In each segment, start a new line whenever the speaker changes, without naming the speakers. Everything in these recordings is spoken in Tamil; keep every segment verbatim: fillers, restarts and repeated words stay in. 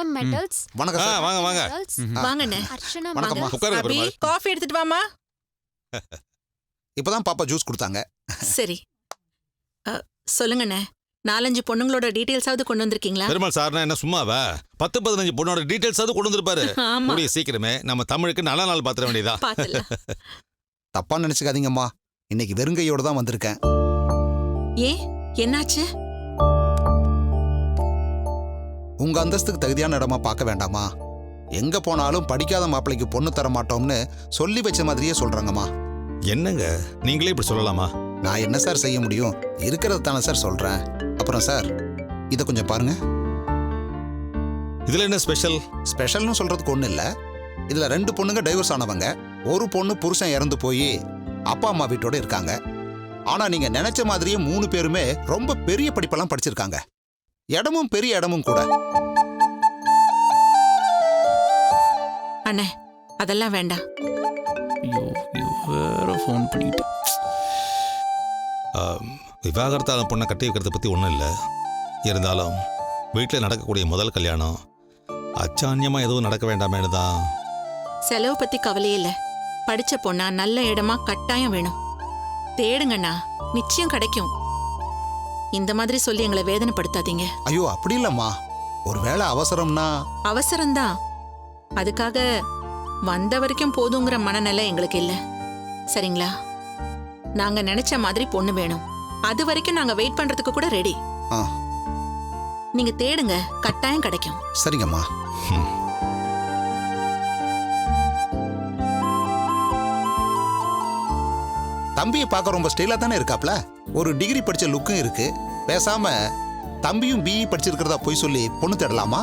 அர்ச்சனா மெட்டல்ஸ்.
வணக்கம் சார்.
வாங்க வாங்க
வாங்கண்ணே.
அர்ச்சனா
வணக்கம்மா.
உட்காருங்க
அபி
பெருமாள்.
காஃபி எடுத்துட்டு வாமா.
இப்பதான் பாப்பா ஜூஸ் கொடுத்தாங்க.
சரி அ, சொல்லுங்கண்ணே. நாலஞ்சு பொண்ணுங்களோட டீடைல்ஸாவது கொண்டு வந்திருக்கீங்களா?
பெருமாள் சார்னா என்ன சும்மாவா? பத்து பதினஞ்சு பொண்ணோட டீடைல்ஸ் அது கொண்டு வந்திருப்பாரு.
ஆமா,
கூடிய சீக்கிரமே நம்ம தமிழுக்கு நல்ல நாள் பாத்திர வேண்டியதா.
பாத்துடலாம்.
தப்பா நினைச்சுக்காதீங்கம்மா, இன்னைக்கு வெறுங்கையோட தான் வந்திருக்கேன்.
ஏன் என்னாச்சு?
உங்க அந்தஸ்துக்கு தகுதியான இடமா பார்க்க வேண்டாமா? எங்க போனாலும் படிக்காத மாப்பிள்ளைக்கு பொண்ணு தர மாட்டோம்னு சொல்லி வச்ச மாதிரியே சொல்றாங்கம்மா.
என்னங்க நீங்களே இப்படி சொல்லலாமா?
நான் என்ன சார் செய்ய முடியும்? இருக்கிறது தானே சார் சொல்றேன். அப்புறம் சார், இதை கொஞ்சம் பாருங்க.
இதுல என்ன ஸ்பெஷல்?
ஸ்பெஷல்னு சொல்றதுக்கு ஒண்ணு இல்ல. இதுல ரெண்டு பொண்ணுங்க டைவர்ஸ் ஆனவங்க. ஒரு பொண்ணு புருஷன் இறந்து போய் அப்பா அம்மா வீட்டோட இருக்காங்க. ஆனா நீங்க நினைச்ச மாதிரியே மூணு பேருமே ரொம்ப பெரிய படிப்பெல்லாம் படிச்சிருக்காங்க. இடமும் பெரிய இடமும் கூட.
அண்ணே அதெல்லாம் வேண்டாம்.
ஐயோ வேற ஃபோன் பண்ணிட்டு.
விவாகரத்தான பொண்ணை கட்டி வைக்கிறத பத்தி ஒன்றும் இல்லை. இருந்தாலும் வீட்டில் நடக்கக்கூடிய முதல் கல்யாணம் அச்சான்யமா எதுவும் நடக்க வேண்டாமேனு தான்.
செலவு பத்தி கவலையே இல்ல. படிச்ச பொண்ணா நல்ல இடமா கட்டாயம் வேணும். தேடுங்கண்ணா, நிச்சயம் கிடைக்கும். இந்த மாதிரி சொல்லி எங்களை வேதனைப்படுத்தாதீங்க.
ஐயோ அப்படி இல்லம்மா, ஒருவேளை அவசரம்னா.
அவசரம்தான். அதுக்காக வந்த வரைக்கும் போதுங்கிற மனநிலை எங்களுக்கு இல்ல. சரிங்களா? நாங்க நினைச்ச மாதிரி பொண்ணு வேணும். அது வரைக்கும் நாங்க வெயிட் பண்றதுக்கு கூட ரெடி.
ஆ,
நீங்க தேடுங்க, கட்டாயம் கிடைக்கும்.
சரிங்கம்மா. தம்பியை பார்க்க ரொம்ப ஸ்டைலா தானே இருக்காப்ல. ஒரு டிகிரி படிச்ச லுக்கும் இருக்கு. பேசாம தம்பியும் பிஇ படிச்சிருக்கிறதா போய் சொல்லி பொண்ணு தேடலாமா?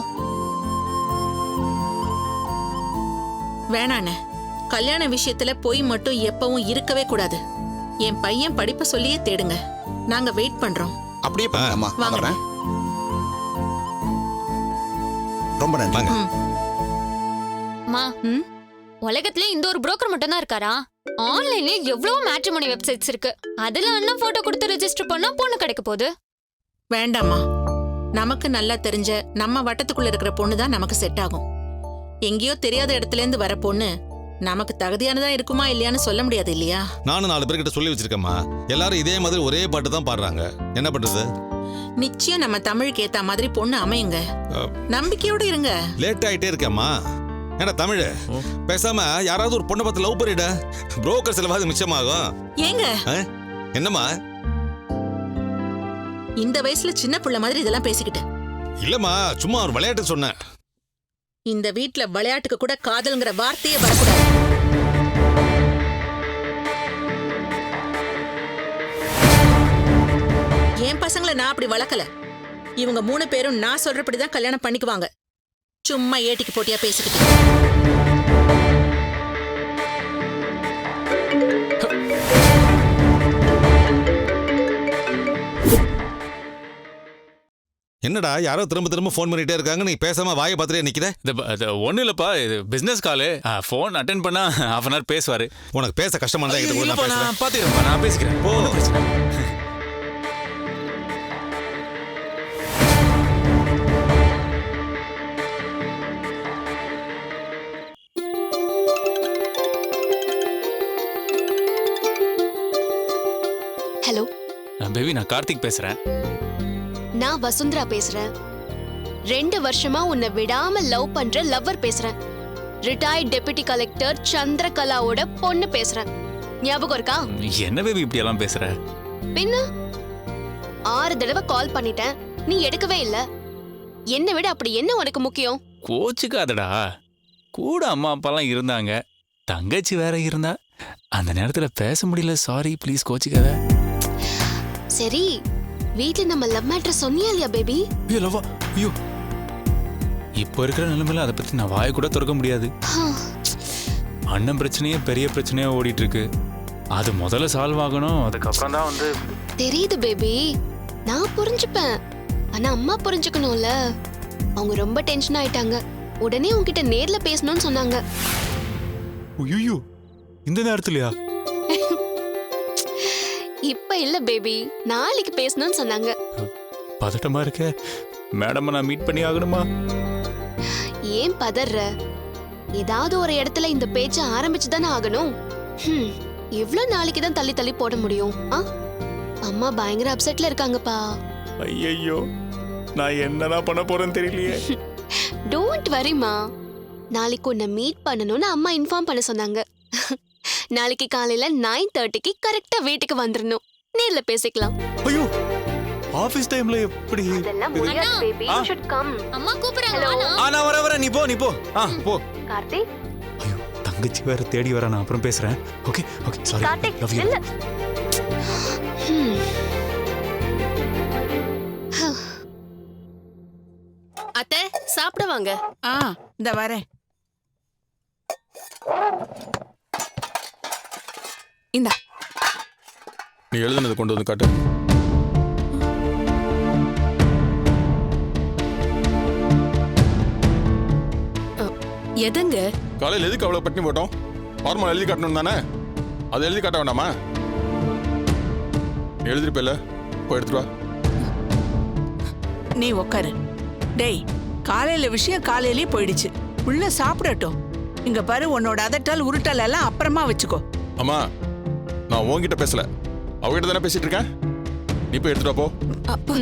வேணாண்ணே, கல்யாண விஷயத்துல பொய் மட்டும் எப்பவும் இருக்கவே கூடாது. என் பையன் படிப்பை சொல்லியே தேடுங்க. நாங்க வெயிட் பண்றோம்.
அப்படியே பண்ணலாமா?
வாங்க.
வர்றேன். ரொம்ப நன்றி.
வாங்க.
ம்.
மா,
ம்?
உலகத்துல இந்த ஒரு புரோக்கர் மட்டும் தான் இருக்காரா? ஆன்லைன்ல எவ்வளவு மேட்ரிமோனி வெப்சைட்ஸ் இருக்கு. அதுல அண்ணன் போட்டோ கொடுத்து ரெஜிஸ்டர் பண்ணா பொண்ணு கிடைக்க போகுது.
வேண்டாமா, நமக்கு நல்லா தெரிஞ்ச நம்ம வட்டத்துக்குள்ள இருக்கிற பொண்ணு தான் நமக்கு செட் ஆகும். எங்கேயோ தெரியாத இடத்துல இருந்து வர பொண்ணு நமக்கு தகுதியானதா இருக்குமா இல்லையான்னு சொல்ல முடியாது இல்லையா?
நானும் நாலு பேர்கிட்ட சொல்லி வச்சிருக்கேம்மா. எல்லாரும் இதே மாதிரி ஒரே பாட்டு தான் பாடுறாங்க. என்ன பண்றது?
நிச்சயம் நம்ம தமிழுக்கு ஏத்த மாதிரி பொண்ணு அமையுங்க. நம்பிக்கையோட இருங்க.
லேட் ஆயிட்டே இருக்கேம்மா. ஏன்னா தமிழ் பேசாம யாராவது ஒரு பொண்ணை பார்த்து லவ் பண்ணிட. புரோக்கர் செலவாது மிச்சமாகும்.
ஏங்க
என்னம்மா?
இந்த வயசுல சின்ன புள்ள மாதிரி இதெல்லாம் பேசிக்கிட்டு.
இல்லம்மா, சும்மா ஒரு விளையாட்டு சொன்னேன்.
இந்த வீட்ல விளையாட்டுக்கு கூட காதல்ங்கிற வார்த்தையே வரக்கூடாது. என் பசங்களை நான் அப்படி வளர்க்கல. இவங்க மூணு பேரும் நான் சொல்றபடிதான் கல்யாணம் பண்ணிக்குவாங்க. சும்மா ஏட்டிக்கு போட்டியா பேசிக்கிட்டு.
என்னடா யாரோ திரும்ப திரும்ப ஃபோன் பண்ணிட்டே இருக்காங்க, நீ பேசாம வாயை பார்த்துட்டே நிக்கிற?
இது ஒன்றும் இல்லைப்பா, இது பிஸ்னஸ் காலு. ஃபோன் அட்டென்ட் பண்ணா ஹாஃப் அன் ஹவர் பேசுவார்.
உனக்கு பேச கஷ்டமா இருந்தா என்கிட்ட கூட நான் பேசுறேன்.
நான் பார்த்துக்கிறேன்ப்பா, நான் பேசிக்கிறேன். ஒண்ணும் பிரச்சனை இல்ல.
ஹலோ
பேபி, நான் கார்த்திக் பேசுறேன்.
நான் வசுந்தரா பேசுறேன். ரெண்டு வருஷமா உன்னை விடாம லவ் பண்ற லவ்வர் பேசுறேன். ரிட்டையர்ட் டெபுட்டி கலெக்டர் சந்திரகலாவோட பொண்ணு பேசுறேன். ஞாபகம் இருக்கா?
என்ன பேபி இப்படி எல்லாம் பேசுற?
பின்ன ஆறு தடவை கால் பண்ணிட்டேன், நீ எடுக்கவே இல்ல. என்ன விட அப்படி என்ன உனக்கு முக்கியம்?
கோச்சுக்காதடா. கூட அம்மா அப்பாலாம் இருந்தாங்க, தங்கச்சி வேற இருந்தா. அந்த நேரத்துல பேச முடியல. சாரி, ப்ளீஸ் கோச்சுக்காத.
சரி, வீட்ல நம்ம லவ் மேட்டர் சொன்னியா இல்லையா பேபி?
ஐயோ லவ்வா, ஐயோ. இப்போ இருக்கிற நிலைமையில அதை பத்தி நான் வாயை கூட திறக்க முடியாது. அண்ணன் பிரச்சனையே பெரிய பிரச்சனையா ஓடிட்டு இருக்கு. அது முதல்ல சால்வ் ஆகணும், அதுக்கப்புறம் தான் வந்து.
தெரியுது பேபி, நான் புரிஞ்சுப்பேன். ஆனா அம்மா புரிஞ்சுக்கணும்ல. அவங்க ரொம்ப டென்ஷன் ஆயிட்டாங்க. உடனே உன்கிட்ட நேர்ல பேசணும்னு சொன்னாங்க.
ஐயோ, இந்த நேரத்துலயா?
இப்ப இல்ல பேபி, நாளைக்கு பேசணும்னு சொன்னாங்க.
பதட்டமா இருக்க. மேடம் நான் மீட் பண்ணி ஆகணுமா?
ஏன் பதற? ஏதாவது ஒரு இடத்துல இந்த பேச்ச ஆரம்பிச்சுதானே ஆகணும். ஹம், எவ்வளவு நாளைக்கு தான் தள்ளி தள்ளி போட முடியும்? ஆ? அம்மா பயங்கர அப்செட்ல இருக்காங்கப்பா.
ஐயோ, நான் என்னதான் பண்ண போறேன்னு தெரியலையே.
டோன்ட் வரிமா. நாளைக்கு உன்னை மீட் பண்ணணும்னு அம்மா இன்ஃபார்ம் பண்ண சொன்னாங்க. நாளைக்கு காலையில நைன் தேர்ட்டிக்கு கரெக்டா வீட்டுக்கு வந்துடணும். நேர்ல பேசிக்கலாம்.
ஐயோ, ஆபீஸ் டைம்ல எப்படி?
அதெல்லாம் முடியாது பேபி. You shut come.
அம்மா கூப்பிடுறாங்க.
Hello.
வாண்ணா.
ஆ, நான் வர வர நீ போ நீ போ. ஆ போ.
கார்த்திக்,
ஐயோ, தங்கச்சி வேற தேடி வர, நான் அப்புறம் பேசுறேன். Okay okay, sorry.
Karthik,
love you.
இல்ல. ஹம்.
அத்தை சாப்பிட வாங்க.
ஆ இந்த வரேன். இந்தா
நீ எழுதுனது கொண்டு வந்து காட்டு.
எதங்க?
காலையில் எதுக்கு அவ்வளோ பட்டினி போட்டோம்? ஃபார்மல் எழுதி காட்டணும் தானே? அதை எழுதி காட்ட வேண்டாமா? நீ எழுதிருப்பில்ல, போய் எடுத்துட்டு வா.
நீ உக்காரு. டேய், காலையில விஷயம் காலையிலே போயிடுச்சு. உள்ள சாப்பிடட்டும். இங்க பாரு, உன்னோட அதட்டல் உருட்டல் எல்லாம் அப்புறமா வச்சுக்கோ.
அம்மா, நான் உன்கிட்ட பேசல, அவகிட்ட தானே பேசிட்டு இருக்கேன். நீ போய் எடுத்துட்டு வா போ.
அப்பா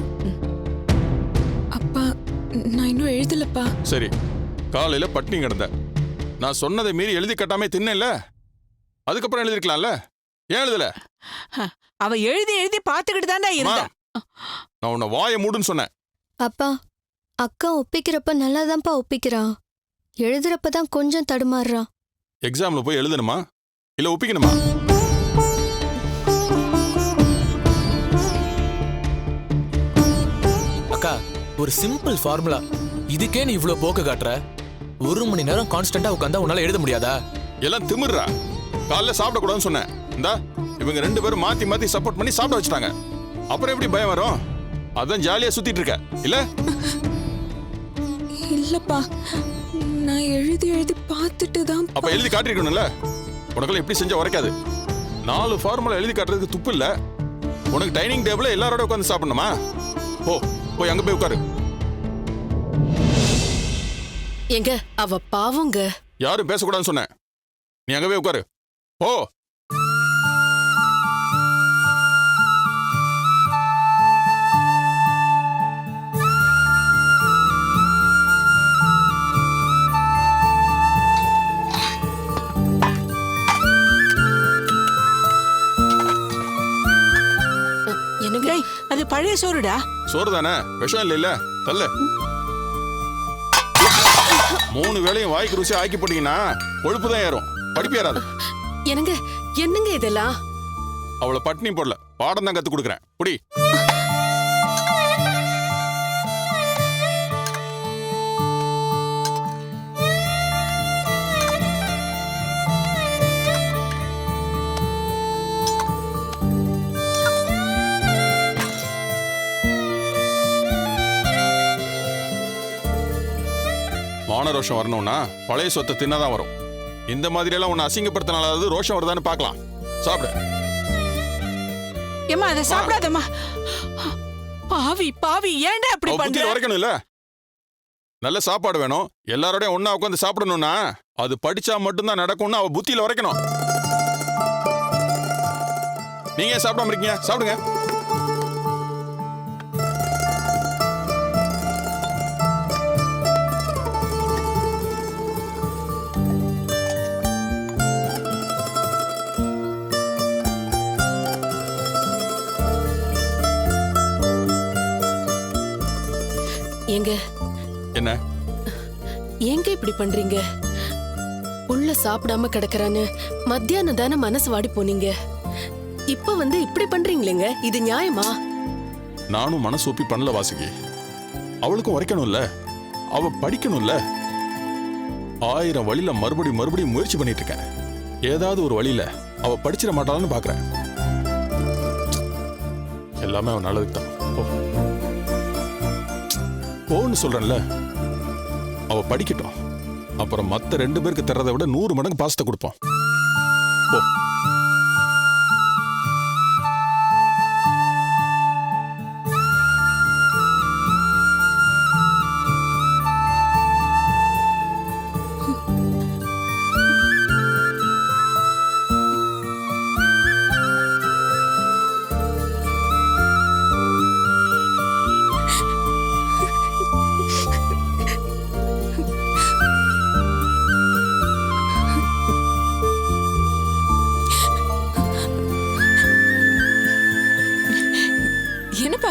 அப்பா நான் இன்னும் எழுதலப்பா.
சரி, காலையில பட்டினி கிடந்த, நான் சொன்னதை மீறி எழுதி கட்டாமே தின்னல, அதுக்கப்புறம் எழுதிருக்கலாம்ல, ஏன் எழுதல?
அவ எழுதி எழுதி பாத்துக்கிட்டு தாண்டா இருந்தா.
நான் உன்னை வாயை மூடுன்னு சொன்னேன்.
அப்பா அக்கா ஒப்பிக்கிறப்ப நல்லாதான்ப்பா ஒப்பிக்கிறா. எழுதுறப்ப தான் கொஞ்சம் தடுமாறுறா.
எக்ஸாம்ல போய் எழுதணுமா இல்ல ஒப்பிக்கணுமா?
அக்கா, ஒரு சிம்பிள் ஃபார்முலா, இதுக்கே நீ இவ்ளோ போக்கு காட்டுற. ஒரு மணி நேரம் கான்ஸ்டன்டா உட்கார்ந்தா உன்னால எழுத முடியாதா?
எல்லாம் திமிர்றா. காலைல சாப்பிடக்கூடாதுன்னு சொன்னேன். இந்தா இவங்க ரெண்டு பேரும் மாத்தி மாத்தி சப்போர்ட் பண்ணி சாப்பிட வச்சுட்டாங்க. அப்புறம் எப்படி பயம் வரும்? அதான் ஜாலியா சுத்திட்டு இருக்க இல்ல?
இல்லப்பா, நான் எழுதி எழுதி பார்த்துட்டு தான்.
அப்ப எழுதி காட்டிருக்கணும்ல. உனக்கெல்லாம் எப்படி செஞ்சா உரைக்காது. நாலு ஃபார்முலா எழுதி காட்டுறதுக்கு துப்பு இல்ல. உனக்கு டைனிங் டேபிள்ல எல்லாரோட உட்காந்து சாப்பிடணுமா? போ, போய் அங்க போய் உட்காரு.
எங்க அவ பாவங்க.
யாரும் பேசக்கூடாதுன்னு சொன்னேன். நீ அங்க போய் உட்காரு. போ.
எனக்கு
டேய், அது பழைய சோறுடா.
சோறு தானே, விஷம் இல்ல இல்ல. தல்ல. மூணு வேளையும் வாய்க்கு ருசி ஆக்கி போட்டீங்கன்னா கொழுப்பு தான் ஏறும், படிப்பு ஏறாது.
என்னங்க என்னங்க இதெல்லாம்?
அவளை பட்டினி போடல, பாடம் தான் கத்து கொடுக்குறேன். புடி. மான ரோஷம் வரணும்னா பழைய சொத்தை தின்னதான் வரும். இந்த மாதிரி எல்லாம் உன்னை அசிங்கப்படுத்தினாலாவது ரோஷம் வருதான்னு பார்க்கலாம். சாப்பிடு.
ஏம்மா அதை சாப்பிடாதம்மா. பாவி பாவி, ஏன்டா அப்படி
அவ
பண்ற?
புத்தியில உரைக்கணும் இல்ல. நல்ல சாப்பாடு வேணும், எல்லாரோடையும் ஒண்ணா உட்காந்து சாப்பிடணும்னா அது படிச்சா மட்டும்தான் நடக்கும்னு அவ புத்தியில உரைக்கணும். நீங்க ஏன் சாப்பிடாம இருக்கீங்க? சாப்பிடுங்க.
எங்க
என்ன
ஏங்க இப்படி பண்றீங்க? உள்ள சாப்பிடாம கிடக்குறான்னு மத்தியானம் தானே மனசு வாடி போனீங்க. இப்ப வந்து இப்படி பண்றீங்களேங்க, இது நியாயமா?
நானும் மனசு ஒப்பி பண்ணல வாசுகி. அவளுக்கும் உரைக்கணும்ல, அவ படிக்கணும்ல. ஆயிரம் வழியில மறுபடி மறுபடியும் முயற்சி பண்ணிட்டு இருக்கேன். ஏதாவது ஒரு வழியில அவ படிச்சிட மாட்டாளான்னு பாக்குறேன். எல்லாமே அவன் நல்லதுக்கு தான். போன்னு சொல்றேன்ல. அவ படிக்கட்டும், அப்புறம் மத்த ரெண்டு பேருக்கு தர்றதை விட நூறு மடங்கு பாசத்தை கொடுப்போம். போ.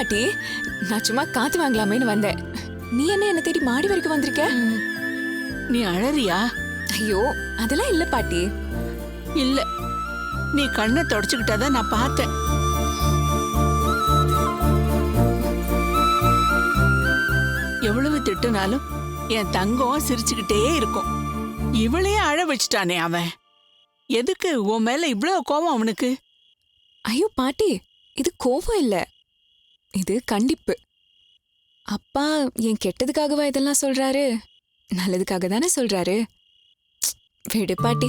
பாட்டி, நான் சும்மா காத்து வாங்கலாமேன்னு வந்தேன். நீ என்ன என்ன தேடி மாடி வரைக்கும் வந்திருக்க?
நீ அழறியா?
ஐயோ அதெல்லாம் இல்ல பாட்டி.
இல்ல, நீ கண்ணை தொடச்சுக்கிட்டதான் நான் பார்த்தேன். எவ்வளவு திட்டுனாலும் என் தங்கம் சிரிச்சுக்கிட்டே இருக்கும். இவளையே அழ வச்சுட்டானே அவன். எதுக்கு உன் மேல இவ்வளவு கோபம் அவனுக்கு?
ஐயோ பாட்டி, இது கோபம் இல்ல, இது கண்டிப்பு. அப்பா என் கெட்டதுக்காகவா இதெல்லாம் சொல்றாரு? நல்லதுக்காக தானே சொல்றாரு. விடு பாட்டி.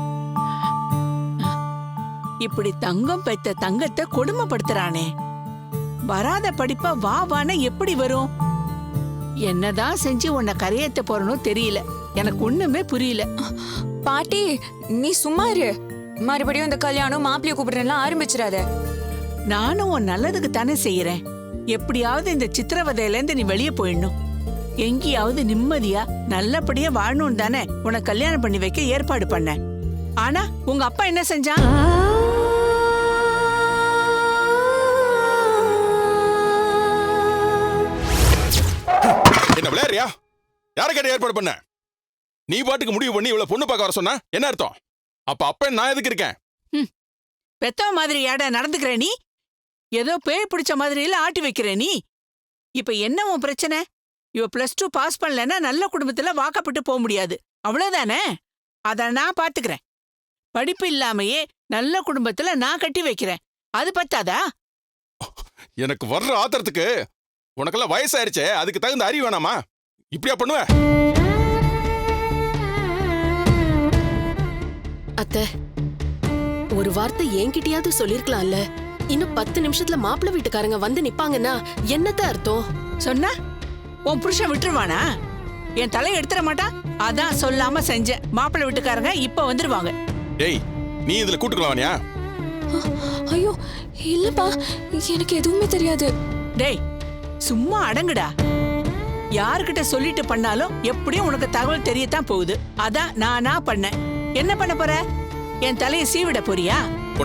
இப்படி தங்கம் பெத்த தங்கத்தை கொடுமைப்படுத்துறானே. வராத படிப்பா வா வான எப்படி வரும்? என்னதான் செஞ்சு உன்னை கரையேத்த போறனோ தெரியல. எனக்கு ஒண்ணுமே புரியல.
பாட்டி நீ சும்மா இரு. மறுபடியும் இந்த கல்யாணம் மாப்பிள்ளைய கூப்பிடுறேன்லாம் ஆரம்பிச்சிடாத.
நானும் உன் நல்லதுக்கு தானே செய்யறேன். எப்படியாவது இந்த சித்திரவதையில இருந்து நீ வெளியே போயிடணும். எங்கேயாவது நிம்மதியா நல்லபடியா வாழணும் தானே உனக்கு கல்யாணம் பண்ணி வைக்க ஏற்பாடு பண்ண. ஆனா உங்க அப்பா என்ன செஞ்சான்?
என்ன விளையாடுறியா? யாரை கேட்ட ஏற்பாடு பண்ண? நீ பாட்டுக்கு முடிவு பண்ணி இவ்வளவு பொண்ணு பார்க்க வர சொன்னா என்ன அர்த்தம்? அப்ப அப்ப நான் எதுக்கு இருக்கேன்?
பெத்தவ மாதிரி ஏடா நடந்துக்கிற நீ? ஏதோ பேய் பிடிச்ச மாதிரியில ஆட்டி வைக்கிற நீ. இப்ப என்ன உன் பிரச்சனை? இவ பிளஸ் டூ பாஸ் பண்ணலன்னா நல்ல குடும்பத்துல வாக்கப்பட்டு போக முடியாது, அவ்வளவுதானே? அத நான் பாத்துக்கிறேன். படிப்பு இல்லாமையே நல்ல குடும்பத்துல நான் கட்டி வைக்கிறேன், அது பத்தாதா?
எனக்கு வர்ற ஆத்திரத்துக்கு உனக்கெல்லாம் வயசாயிருச்சே, அதுக்கு தகுந்த அறிவு வேணாமா? இப்படியா பண்ணுவ?
அத்தை, ஒரு வார்த்தை என்கிட்டயாவது சொல்லிருக்கலாம்ல. இன்னும் பத்து நிமிஷத்துல மாப்பிள்ளை வீட்டுக்காரங்க வந்து நிப்பாங்கன்னா என்னத்த அர்த்தம்?
சொன்னா உன் புருஷன் விட்டுருவானா? என் தலையை எடுத்துட மாட்டா? அதான் சொல்லாம செஞ்ச. மாப்பிள்ளை வீட்டுக்காரங்க இப்ப வந்துருவாங்க.
டேய், நீ இதுல கூட்டுக்கலானியா?
ஐயோ இல்லப்பா, எனக்கு எதுவுமே தெரியாது.
டேய் சும்மா அடங்குடா. யாருக்கிட்ட சொல்லிட்டு பண்ணாலும் எப்படியும் உனக்கு தகவல் தெரியத்தான் போகுது. அதான் நானா பண்ணேன். என்ன பண்ண போற? என் தலையை சீவிட போறியா?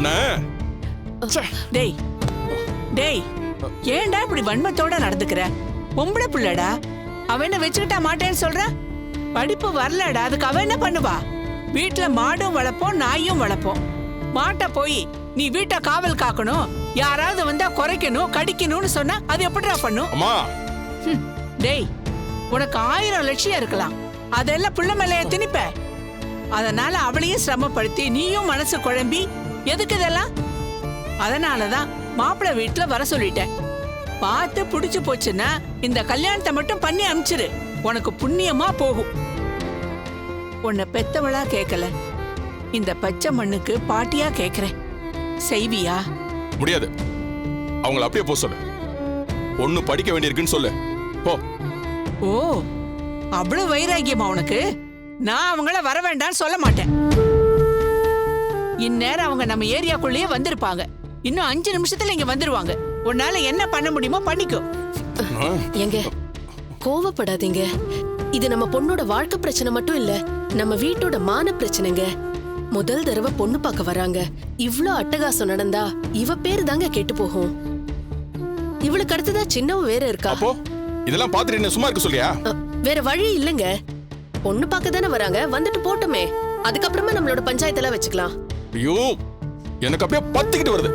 டேய் டேய், ஏன்டா இப்படி வன்மத்தோட நடந்துக்கிற? பொம்பளை புள்ளடா, அவ என்ன வச்சுக்கிட்டா மாட்டேன்னு சொல்ற? படிப்பு வரலடா, அதுக்கு அவ என்ன பண்ணுவா? வீட்டுல மாடும் வளர்ப்போம், நாயும் வளர்ப்போம். மாட்ட போய் நீ வீட்டை காவல் காக்கணும், யாராவது வந்தா குறைக்கணும் கடிக்கணும்னு சொன்னா அது எப்படிடா பண்ணும்? டேய், உனக்கு ஆயிரம் லட்சியம் இருக்கலாம், அதெல்லாம் புள்ள மேலைய திணிப்ப. அதனால அவளையும் சிரமப்படுத்தி நீயும் மனசு குழம்பி எதுக்கு இதெல்லாம்? அதனாலதான் மாப்பிள்ளை வீட்டுல வர சொல்லிட்டேன். பார்த்து புடிச்சு போச்சுன்னா இந்த கல்யாணத்தை மட்டும் பண்ணி அனுப்பிச்சிரு, உனக்கு புண்ணியமா போகும். உன்னை பெத்தவளா கேட்கல, இந்த பச்சை மண்ணுக்கு பாட்டியா கேக்குறேன். செய்வியா?
முடியாது. அவங்கள அப்படியே போ சொல்லு. ஒண்ணு படிக்க வேண்டியிருக்குன்னு சொல்லு, போ.
ஓ, அவ்வளவு வைராக்கியமா உனக்கு? நான் அவங்கள வர வேண்டாம்னு சொல்ல மாட்டேன். இந்நேரம் அவங்க நம்ம ஏரியாக்குள்ளேயே வந்திருப்பாங்க. இன்னும் அஞ்சு நிமிஷத்துல இங்க வந்துருவாங்க. உன்னால என்ன பண்ண முடியுமோ பண்ணிக்கோ.
எங்க கோவப்படாதீங்க. இது நம்ம பொண்ணோட வாழ்க்கை பிரச்சனை மட்டும் இல்ல, நம்ம வீட்டோட மான பிரச்சனைங்க. முதல் தடவை பொண்ணு பார்க்க வராங்க, இவ்ளோ அட்டகாசம் நடந்தா இவ பேரு தாங்க கெட்டு போகும். இவளுக்கு அடுத்ததா சின்னவ வேற இருக்கா.
அப்போ இதெல்லாம் பாத்துட்டு என்ன சும்மா இருக்க சொல்லியா?
வேற வழி இல்லங்க. பொண்ணு பார்க்க தானே வராங்க, வந்துட்டு போட்டுமே. அதுக்கப்புறமா நம்மளோட பஞ்சாயத்தெல்லாம் வச்சுக்கலாம்.
ஐயோ, எனக்கு அப்படியே பத்திக்கிட்டு வருது.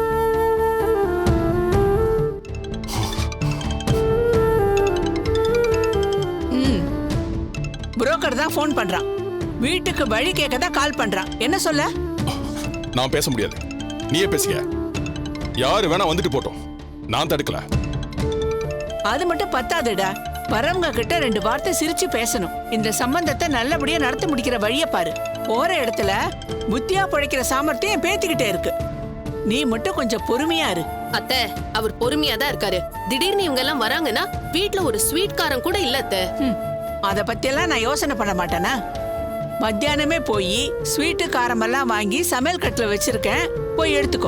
புரோக்கர் தான் போன் பண்றான். வீட்டுக்கு வழி கேட்க தான் கால் பண்றான். என்ன சொல்ல?
நான் பேச முடியாது, நீயே பேசிக்க. யாரு வேணா வந்துட்டு போட்டோம், நான் தடுக்கல.
அது மட்டும் பத்தாதுடா, வரவங்க கிட்ட ரெண்டு வார்த்தை சிரிச்சு பேசணும். இந்த சம்பந்தத்தை நல்லபடியா நடத்தி முடிக்கிற வழிய பாரு. போற இடத்துல புத்தியா பிழைக்கிற சாமர்த்தியம் பேத்திக்கிட்டே இருக்கு. நீ மட்டும் கொஞ்சம் பொறுமையா இரு.
அத்தை, அவர் பொறுமையா தான் இருக்காரு. திடீர்னு இவங்க எல்லாம் வராங்கன்னா வீட்டுல ஒரு ஸ்வீட் காரம் கூட இல்ல அத்தை.
அத பத்தி எல்லாம் நான் யோசனை பண்ண மாட்டேனா? மத்தியானமே போய் ஸ்வீட்டு காரமெல்லாம் வாங்கி சமையல் கட்டுல வச்சிருக்கேன், போய் எடுத்துக்கோ.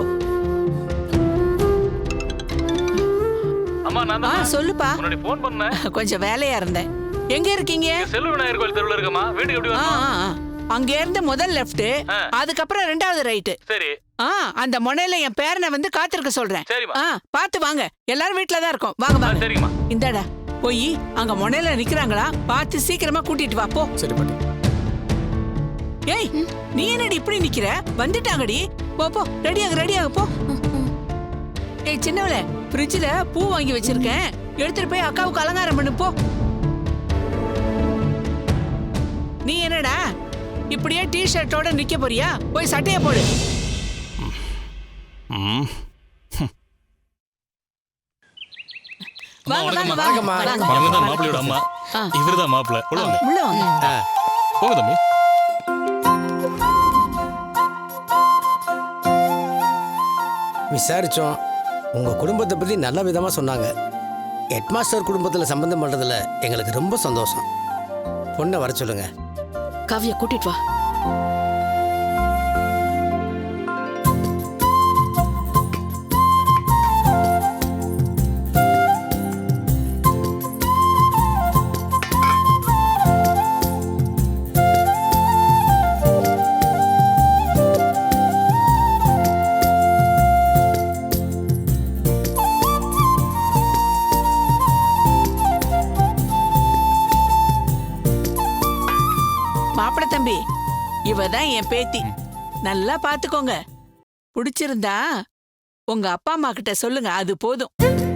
சொல்லுப்பா. கொஞ்சம் வேலையா இருந்தேன். எங்க இருக்கீங்க?
செல்வநாயர் கோயில் தெருவுல இருக்கமா. வீட்டுக்கு எப்படி வரணும்?
அங்க இருந்து முதல் லெஃப்ட், அதுக்கப்புறம் ரெண்டாவது ரைட்.
சரி.
ஆ அந்த முனையில என் பேரனை வந்து காத்திருக்க சொல்றேன்.
சரிம்மா.
ஆ பாத்து வாங்க, எல்லாரும் வீட்ல தான் இருக்கோம். வாங்க வாங்க.
சரிம்மா.
இந்தாடா போய் அங்க முனையில நிக்கிறாங்களா பார்த்து சீக்கிரமா கூட்டிட்டு வா போ.
சரி பாட்டி.
ஏய் நீ என்னடி இப்படி நிக்கிற? வந்துட்டாங்கடி. போ போ ரெடியாக ரெடியாக போ. ஏய் சின்னவளே, ஃப்ரிட்ஜ்ல பூ வாங்கி வச்சிருக்கேன், எடுத்துட்டு போய் அக்காவுக்கு அலங்காரம் பண்ணு போ. நீ என்னடா இப்படியே டி ஷர்ட்டோட நிக்க போறியா? போய் சட்டைய போடு.
ம்
வாங்க வாங்க
வணக்கம்மா.
வாங்க.
அவங்க தான் மாப்பிள்ளையோட அம்மா, இவர்தான் மாப்பிள்ளை. உள்ள வாங்க.
உள்ள வாங்க.
போங்க தம்பி.
விசாரிச்சோம். உங்க குடும்பத்தை பத்தி நல்ல விதமா சொன்னாங்க. ஹெட்மாஸ்டர் குடும்பத்துல சம்பந்தம் பண்றதுல எங்களுக்கு ரொம்ப சந்தோஷம். பொண்ணை வர சொல்லுங்க.
காவியா கூட்டிட்டு வா.
மாப்பிள தம்பி, இவதான் என் பேத்தி. நல்லா பாத்துக்கோங்க. பிடிச்சிருந்தா உங்க அப்பா அம்மா கிட்ட சொல்லுங்க, அது போதும்.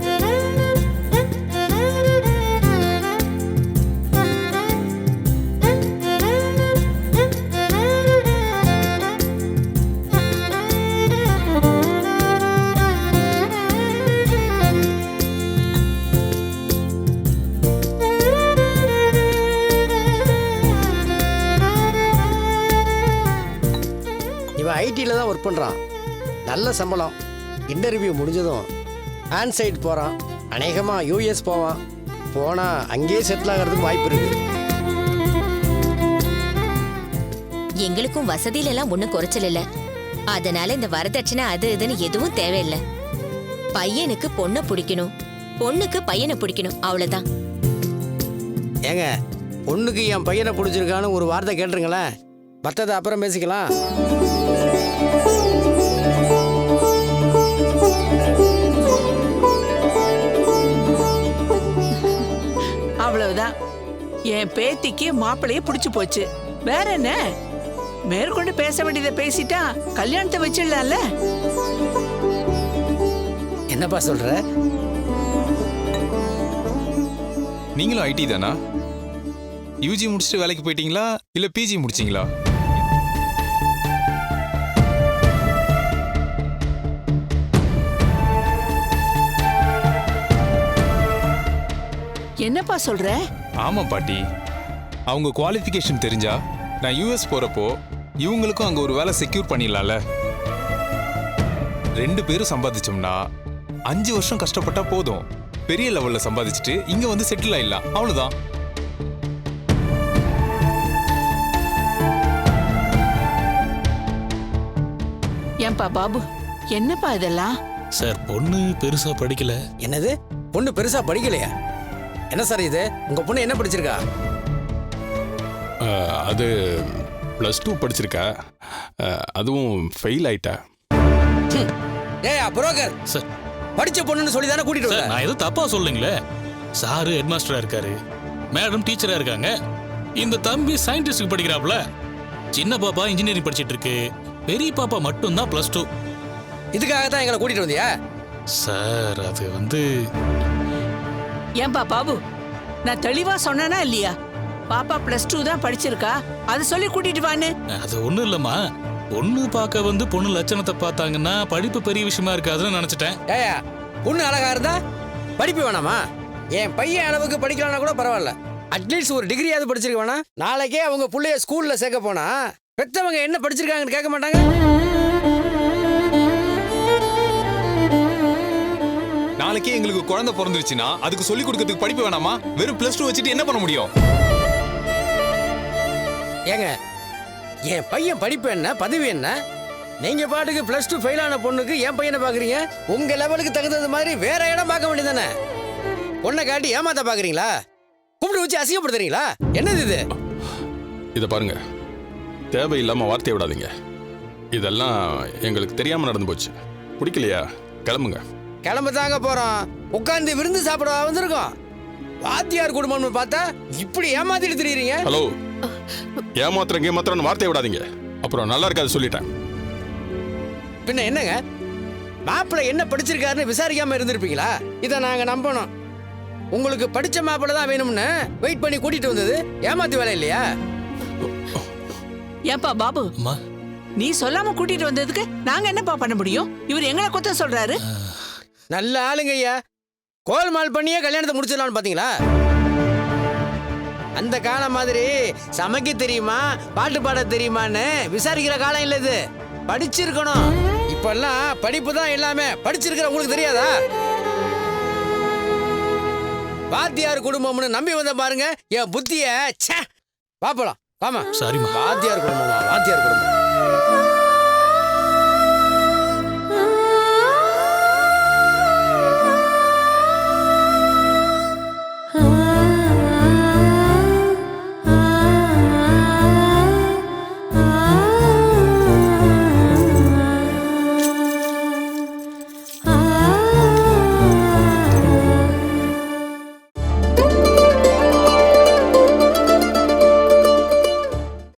இவன் ஐடியில் தான் ஒர்க் பண்ணுறான். நல்ல சம்பளம். இன்டர்வியூ முடிஞ்சதும் ஆன் சைட் போகிறான். அநேகமாக யூஎஸ் போவான். போனால் அங்கேயே செட்டில் ஆகிறதுக்கு வாய்ப்பு இருக்கு.
எங்களுக்கும் வசதியில எல்லாம் ஒண்ணும் குறைச்சல் இல்ல. அதனால இந்த வரதட்சணை அது இதுன்னு எதுவும் தேவையில்லை. பையனுக்கு பொண்ணை பிடிக்கணும், பொண்ணுக்கு பையனை பிடிக்கணும், அவ்வளவுதான்.
ஏங்க, பொண்ணுக்கு என் பையனை பிடிச்சிருக்கான்னு ஒரு வார்த்தை கேட்டுருங்களேன். மற்றதை அப்புறம் பேசிக்கலாம்.
அவ்வளவுதான். என் பேத்திக்கு மாப்பிளைய பிடிச்சு போச்சு. வேற என்ன? மேற்கொண்டு பேச வேண்டியதை பேசிட்டா கல்யாணத்தை வச்சிடலாம்ல.
என்னப்பா சொல்ற?
நீங்களும் ஐடி தானா? யூஜி முடிச்சுட்டு வேலைக்கு போயிட்டீங்களா இல்ல பிஜி முடிச்சீங்களா?
என்னப்பா சொல்ற?
ஆமா பாட்டி. அவங்க குவாலிஃபிகேஷன் தெரிஞ்சா நான் யூஎஸ் போறப்போ இவங்களுக்கும் அங்க ஒரு வேலை செக்யூர் பண்ணிடலாம்ல. ரெண்டு பேரும் சம்பாதிச்சோம்னா அஞ்சு வருஷம் கஷ்டப்பட்டா போதும், பெரிய லெவல்ல சம்பாதிச்சுட்டு இங்க வந்து செட்டில் ஆயிடலாம், அவ்வளவுதான்.
ஏன்பா பாபு, என்னப்பா இதெல்லாம்?
சார் பொண்ணு பெருசா படிக்கல.
என்னது? பொண்ணு பெருசா படிக்கலையா? என்ன சார் இது? உங்க பொண்ணு என்ன படிச்சிருக்கா?
அது ப்ளஸ் டூ படிச்சிருக்கா. அதுவும் ஃபெயில் ஆயிட்டா.
ஏய் புரோக்கர்
சார்,
படிச்ச பொண்ணுன்னு சொல்லி தானே கூட்டிட்டு
சார்
வந்த.
நான் எதுவும் தப்பா சொல்லுங்களே. சாரு ஹெட் மாஸ்டரா இருக்காரு, மேடம் டீச்சரா இருக்காங்க, இந்த தம்பி சயின்டிஸ்டுக்கு படிக்கிறாப்ல, சின்ன பாப்பா இன்ஜினியரிங் படிச்சிட்டு இருக்கு, பெரிய பாப்பா மட்டும் தான் பிளஸ் டூ.
இதுக்காக தான் எங்களை கூட்டிட்டு வந்தியா?
சார் அது வந்து
ஏன்பா பாபு, நான் தெளிவா சொன்னேனா இல்லையா? பாப்பா பிளஸ் டூ தான் படிச்சிருக்கா, அது சொல்லி கூட்டிட்டு வான்னு.
அது ஒண்ணும் இல்லம்மா, பொண்ணு பார்க்க வந்து பொண்ணு லட்சணத்தை பார்த்தாங்கன்னா படிப்பு பெரிய விஷயமா இருக்காதுன்னு நினைச்சிட்டேன்.
ஏயா, பொண்ணு அழகா இருந்தா படிப்பு வேணாமா? என் பையன் அளவுக்கு படிக்கலாம்னா கூட பரவாயில்ல, அட்லீஸ்ட் ஒரு டிகிரியாவது படிச்சிருக்க வேணா? நாளைக்கே அவங்க புள்ளைய ஸ்கூல்ல சேர்க்க போனா பெத்தவங்க என்ன படிச்சிருக்காங்கன்னு கேட்க மாட்டாங்க?
நாளைக்கே எங்களுக்கு குழந்தை பிறந்துருச்சுன்னா அதுக்கு சொல்லிக் கொடுக்கறதுக்கு படிப்பு வேணாமா? வெறும் பிளஸ் டூ வச்சுட்டு என்ன பண்ண முடியும்?
ஏங்க, என் பையன் படிப்பு என்ன, பதவி என்ன? நீங்க பாட்டுக்கு பிளஸ் டூ ஃபெயில் ஆன பொண்ணுக்கு என் பையனை பாக்குறீங்க. உங்க லெவலுக்கு தகுந்தது மாதிரி வேற இடம் பார்க்க வேண்டியதானே? பொண்ணை காட்டி ஏமாத்த பாக்குறீங்களா? கூப்பிட்டு வச்சு அசிங்கப்படுத்துறீங்களா? என்னது இது?
இதை பாருங்க, தேவையில்லாம வார்த்தையை விடாதீங்க. இதெல்லாம் எங்களுக்கு தெரியாம நடந்து போச்சு. பிடிக்கலையா? கிளம்புங்க.
கிளம்ப தாங்க போறோம். உட்காந்து விருந்து சாப்பிட வந்திருக்கோம். வாத்தியார் குடும்பம்னு பார்த்தா இப்படி ஏமாத்திட்டு திரியுறீங்க.
ஹலோ, ஏமாத்திரம் ஏமாத்திரம் வார்த்தையை விடாதீங்க. அப்புறம் நல்லா இருக்காது சொல்லிட்டேன்.
பின்ன என்னங்க, மாப்பிள்ளை என்ன படிச்சிருக்காருன்னு விசாரிக்காம இருந்திருப்பீங்களா? இதை நாங்க நம்பணும். உங்களுக்கு படிச்ச மாப்பிள்ளை தான் வேணும்னு வெயிட் பண்ணி கூட்டிட்டு வந்தது ஏமாத்து வேலை இல்லையா?
ஏப்பா பாபு, நீ சொல்லாம கூட்டிட்டு வந்ததுக்கு நாங்க என்னப்பா பண்ண முடியும்? இவர் எங்களை குத்தம் சொல்றாரு.
நல்ல ஆளுங்க ஐயா. கோல்மால் பண்ணியே கல்யாணத்தை முடிச்சிடலாம்னு பாத்தீங்களா? அந்த காலம் மாதிரி சமைக்க தெரியுமா பாட்டு பாட தெரியுமான்னு விசாரிக்கிற காலம் இல்ல இது. படிச்சிருக்கணும். இப்பெல்லாம் படிப்பு தான் எல்லாமே. படிச்சிருக்கிற உங்களுக்கு தெரியாதா? வாத்தியார் குடும்பம்னு நம்பி வந்த பாருங்க என் புத்திய. பாப்பலாம். ஆமா,
சரிம்மா.
வாத்தியார் குடும்பமா? வாத்தியார் குடும்பம்